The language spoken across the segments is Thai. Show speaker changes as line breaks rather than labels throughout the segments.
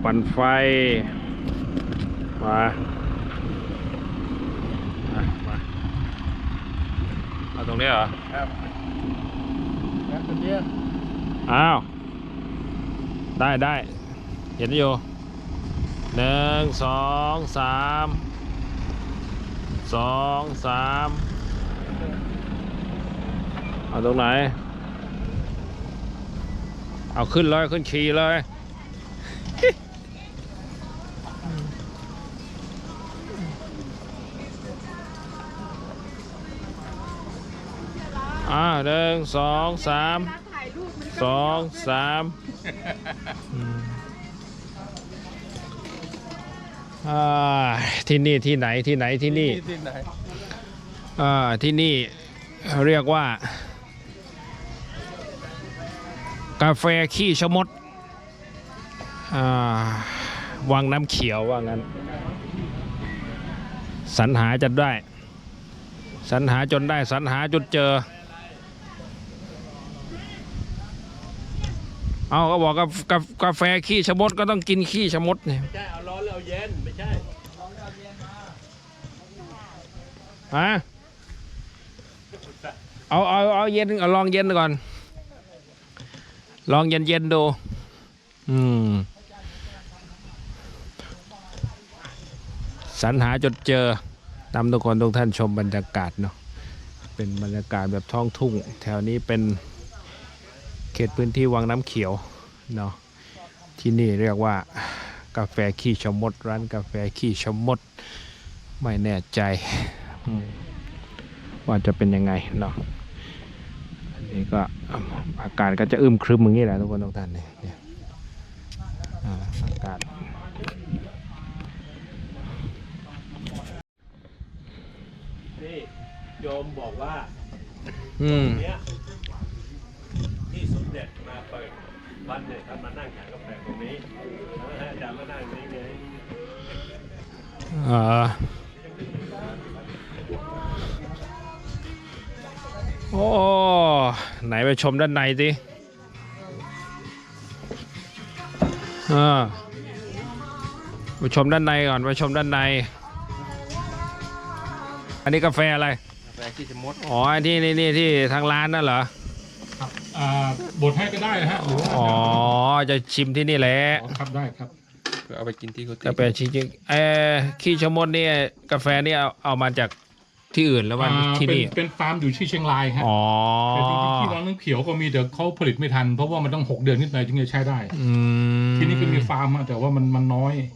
ปั่นไฟมาเอาตรงนี้เหรอ
ครับแล้วตรงนี้
อ้าวได้เห็นอยู่1 2 3 2 3เอาตรงไหนเอาขึ้นเลยขึ้นขี่เลย1 2 3 2 3ที่นี่ที่ไหนที่นี่
ที่ไหน
ที่นี่เรียกว่ากาแฟขี้ชะมดวังน้ำเขียวว่างั้นสรรหาจนได้สรรหาจนได้สรรหาจนเจอเอาก็บอกกาแฟขี้ชะมดก็ต้องกินขี้ชะมดเนี่ย
ไม่ใช่เอาร้อนแล้วเอาเย็นไม่ใช่
ฮะเอาเย็นเอาลองเย็นก่อนลองเย็นดูสรรหาจนเจอนำทุกคนทุกท่านชมบรรยากาศเนาะเป็นบรรยากาศแบบท้องทุ่งแถวนี้เป็นเขตพื้นที่วังน้ำเขียวเนาะที่นี่เรียกว่ากาแฟขี้ชะมดร้านกาแฟขี้ชะมดไม่แน่ใจว่าจะเป็นยังไงเนาะอันนี้ก็อากาศก็จะอึมครึมอย่างนี้แหละทุกคนทุกท่านเนี่ยอากาศ
นี่โยมบอกว่าเนี้ยที่สมเด็จมาเปิดวันเนี่ยท่านมานั่งขายกาแฟตรงนี้แล้วอาจารย์มานั่งนี้ไง
โอ้ไหนไปชมด้านในสิไปชมด้านในก่อนไปชมด้านในอันนี้กาแฟอะไร
กาแฟขี้ชะมด
อ๋อที่นี่ที่ทางร้านนั่นเหรอ
ครับบดให้ก็ได้นะฮะหรือว่า
อ๋อจะชิมที่นี่แหละ
ครับได้ครับ
เอาไปกินที่เขา
กาแฟจริงๆขี้ชะมดนี่กาแฟนี่เอามาจากที่อื่นแล้ววันที่นี่
เป็นฟาร์มอยู่ที่เชียงรายฮะแต่จริงๆที่ร้านน้ำเขียวก็มีแต่เขาผลิตไม่ทันเพราะว่ามันต้อง6 เดือนขึ้นไปถึงจะใช้ได้ที่นี่ก็มีฟาร์มแต่ว่ามันน้อย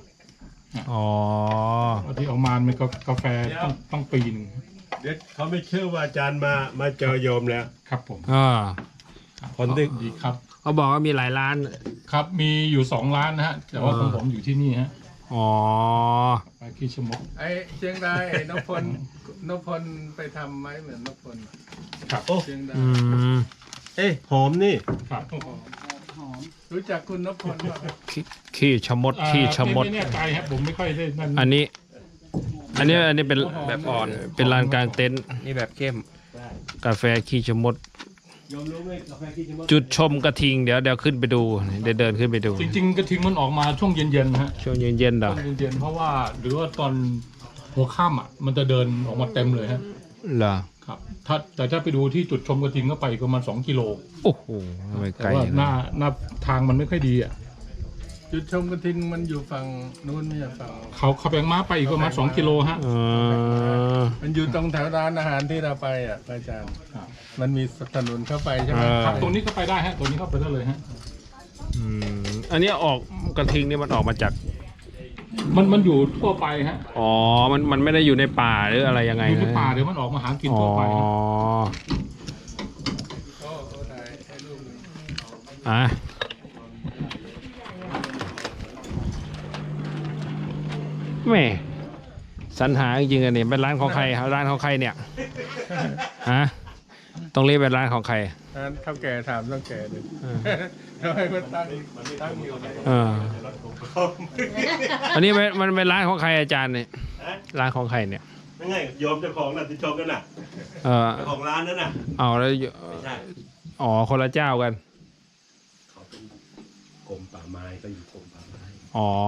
ที่ออกมามันก็กาแฟต้องปีนึง
เดี๋ยวเขาไม่เชื่อว่าอาจารย์มาเจอโยมแล้ว
ครับผม
คนที่
ดีครับ
เขาบอกว่ามีหลายร้าน
ครับมีอยู่2 ร้านนะฮะแต่ว่าของผมอยู่ที่นี่ฮะไปขี้ชะมด
ไอ้เชียงรายนพพลไปทำไหมเหมือนนพพล
ครับ
เชียงรายหอมนี่
ครับ
หอมรู้จักคุณนพพลป่ะ
ขี้ชะมดขี้ชะมด
ไม่แน่ใจครับผมไม่ค่อยได้นั่น
อันนี้เป็นแบบอ่อนเป็นลานกลางเต็นท์
นี่แบบเข้ม
กาแฟขี้ชะมดจุดชมกระทิงเดี๋ยวขึ้นไปดูเดินขึ้นไปดู
จริงๆกระทิงมันออกมาช่วงเย็นๆฮะ
ช่วงเย็นๆเหรอ
เย็นๆเพราะว่าหรือว่าตอนหัวค่ำมันจะเดินออกมาเต็มเลยฮะ
เหรอ
ครับแต่ถ้าไปดูที่จุดชมกระทิงก็ไปประมาณ2 กิโล
โอ้โหไม่ไกล
หน้าทางมันไม่ค่อยดี
จุดชมกระทิงมันอยู่ฝั่งนู้นไม่ใช่ฝั่ง
เขาแบงม้าไปอีกประมาณ2 กิโลฮะ
มันอยู่ตรงแถวร้านอาหารที่เราไปอาจารย์มันมีถนนเข้าไปใช่ไหม
ครับตรงนี้ก็ไปได้ฮะตรงนี้เข้าไปได้เลยฮะ
อันนี้ออกกระทิงนี่มันออกมาจาก
มันอยู่ทั่วไปฮะ
มันไม่ได้อยู่ในป่าหรืออะไรยังไง
อยู่ในป่าเดี๋ยวมันออกมาหากินทั่วไป
แม่สรรหาจริงๆอันนี้เป็นร้านของใครร้านของใครเนี่ยต้องเรียกเป็นร้านของใคร
เท่าแก่ถามเท่าแก่เลยทำไมมันตั้งอยู่
อันนี้มันเป็นร้านของใครอาจารย์เนี่ยร้านของใครเนี่ย
ไม่ไงโยมเจ้าของน่ะที่ชมกันน่ะเจ้าของร้านนั่นน่ะ
แล้วคนละเจ้ากัน
เขาเป็นกรมป่าไม้ก็อยู่กรมป่าไม้
อ๋อ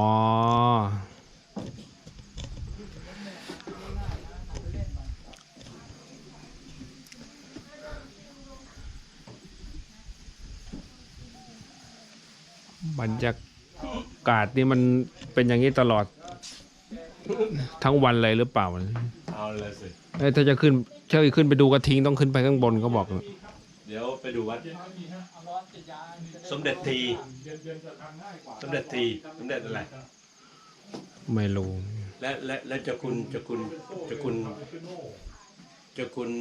บรรยากาศนี่มันเป็นอย่างนี้ตลอดทั้งวันเลยหรือเปล่า
เอาเลยสิ
เอ้ยถ้าจะขึ้นขึ้นไปดูกระทิงต้องขึ้นไปข้างบนเขาบอก
เดี๋ยวไปดูวัดสมเด็จทีสมเด็จทีสมเด็จอะไร
ไม่รู้
และเจ้าคุณ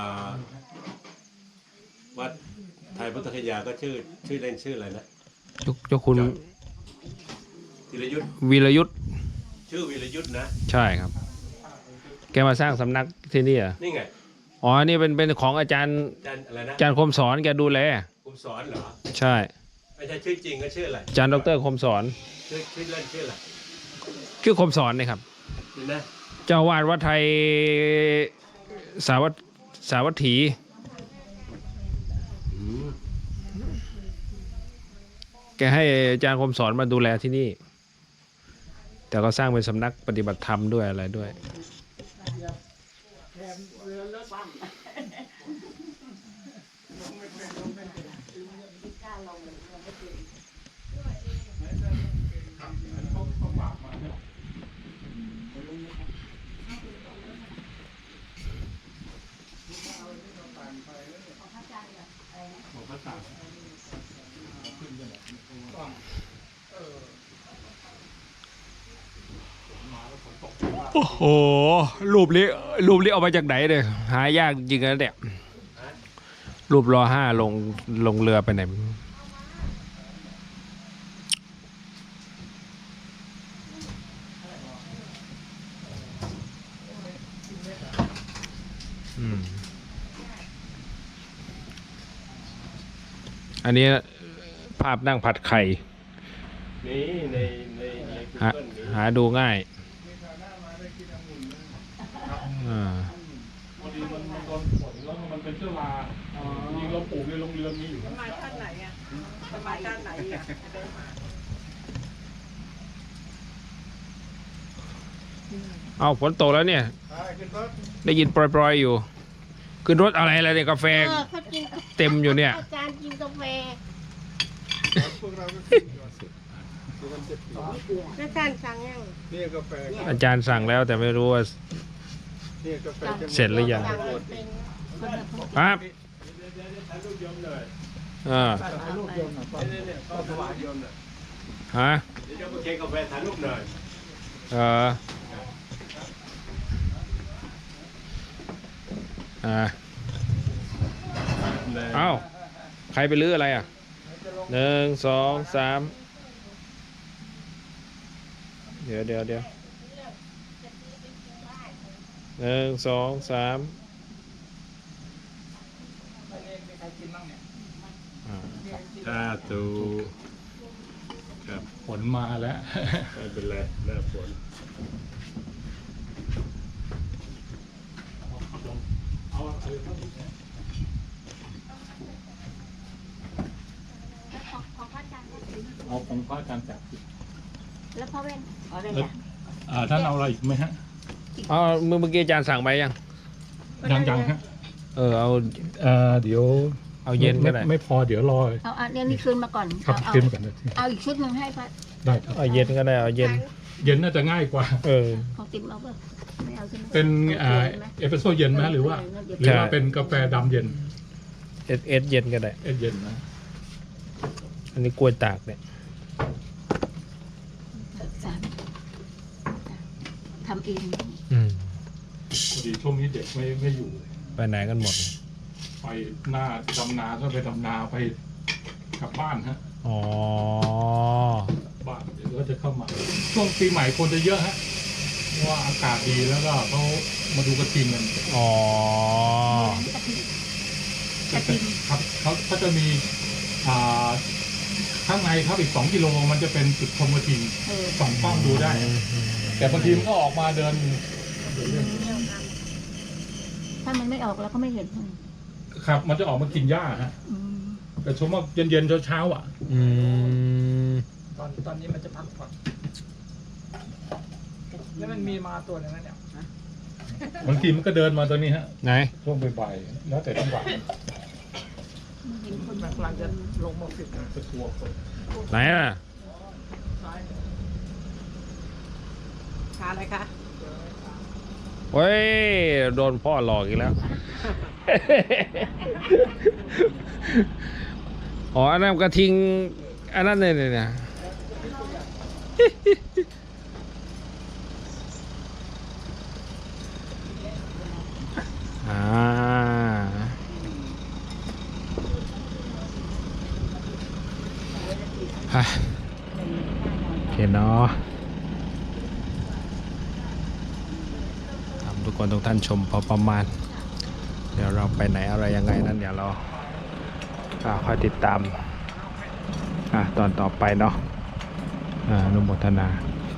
วัดไทยพุทธคยาก็ชื่อเล่นชื่ออะไรนะ
เจ้าคุณ
ธีรยุทธ
วีรยุทธ
ชื่อวีรยุทธนะ
ใช่ครับ แกมาสร้างสำนักที่นี่เหรอ่ะ
นี่ไง
อ๋อ นี่เป็นของอาจารย์
อาจารย์อะไรนะ
อาจารย์คมสอนแกดูแล
คุณสอนเหรอ
ใช่
ไม่ใช่ชื่อจริงก็ชื่ออะไร
อาจารย์ดรคมสอน
ชื่อเล่นชื่ออะไร
ชื่อคมสอนนี่ครับ
นี่นะ
เจ้าวาดวัดไทยสาวัตถี แกให้อาจารย์คมสอนมาดูแลที่นี่ แต่ก็สร้างเป็นสำนักปฏิบัติธรรมด้วยอะไรด้วย โอ้โห รูปนี้เอามาจากไหนเนี่ยหายากจริงนะเนี่ย รูปรอห้าลงเรือไปไหนไม่รู้อันนี้ภาพนั่งผัดไข่
นี่ใน Google นี้
หาดูง่ายอ่า
พอดีมันโดนฝนแล้วมันเป็นเชื้อราจริงเราปลูกในโรงเรือนนี้อยู่นะ
มาด้านไหนอ่ะมาด้านไหนอ่ะ
เอาฝนตกแล้วเนี่ย ได้ยินปล่อยๆอยู่ ขึ้นรถอะไรเนี่ยกาแฟ
เขากิน
เต็มอยู่เนี่ย
อาจารย์กินกาแฟแล้วอาจารย์สั่งยัง
นี่กาแฟ
อาจารย์สั่งแล้วแต่ไม่รู้ว่า
นี่กาแฟจะ
เสร็จหรือยัง
สั่งไม่เป็น
ครับ
ถ่ายรูปโยมหน่อย
อ่า
ลูกโยมหน่อยก็
เนี่ยก็ถวายโยมหน่อย
ฮะ
เดี๋ยวโยมมาเค้กกาแฟถ่ายรูปหน่อย
เอ้าใครไปลื้ออะไรอ่ะ 1 2 3 เดี๋ยว1 2 3
สาธุครับ
ฝนมาแล้ว
ไม่เป็นไรหน้าฝน
ของพระอาจารย์
เอาของพระอาจารย์จับ
แล้วพ่อเว้นอ๋อเลย
แล้ว
จ้ะ
ท่านเอาอะไรอีกไหมฮะ
เอาเมื่อกี้อาจารย์สั่งไปยัง
ยังฮะ
เอา
เดี๋ยว
เอาเย็นก็ได้
ไม่พอเดี๋ยวรอ
เอาอันนี้คืนมาก่อน
ครับ
เอา
ขึ้นก่อนนะ
เอาอีกชุดหนึ่งให้พระ
ได้ครับ
เอาเย็นก็ได้ เอาเย็น
เย็นน่าจะง่ายกว่า
ของติ๊มเอาเปล่าไม่เอาใช่ไหม
เป็น
โอคไหม
เอสเปรสโซ่เย็นไหมหรือว่า
เดี๋ยว
หรือว่าเป็นกาแฟดำเย็น
เอสเย็นก็ได้
เอสเย็นนะ
อันนี้กล้วยตากเนี่ย
สามทำเอง
พอดีช่วงนี้เด็กไม่อยู่
ไปไหนกันหมด
ไปหน้าดำนาก็ไปดำนาไปกลับบ้านฮะ
อ๋อ
บ้านเดี๋ยวก็จะเข้ามา ช่วงปีใหม่คนจะเยอะฮะเพราะว่าอากาศดีแล้วก็เขามาดูกระทิงกัน
อ๋อ
กระทิง
ครับเขาจะมีข้างในครับอีก2 กิโลมันจะเป็นจุดชมกระทิงส่องกล้องดูได้ แต่บางทีมันก็ออกมาเดิน
ถ้ามันไม่ออกแล้วก็ไม่เห็น
ครับ มันจะออกมากินหญ้าฮะ
อืม
แต่ชมว่าเย็นๆเช้าๆอ่ะ
อืม
ตอนนี้มันจะพักผ่อน
แล้วมันมีมาตัวหนึงนั่นเนี่ย
บางทีมันก็เดินมาตัวนี้ฮะ
ไหน
ช่วงบ่ายๆแล้วแต่จังหวะมัน
เห็นคน
มันกำลังจะลงมาฟิตนะ
จะกลัวคน
ไหนอ่ะ
ซ้ายขาอะไรคะ
เฮ้ย โดนพ่อหลอกอีกแล้ว อ๋อ อันนั้นกระทิง อันนั้นเนี่ย อ่าฮะโอเคเนาะทำทุกคนทุกท่านชมพอประมาณ เดี๋ยวเราไปไหนอะไรยังไงนั้นเดี๋ยวเราค่อยติดตามตอนต่อไปเนาะอนุโมทนา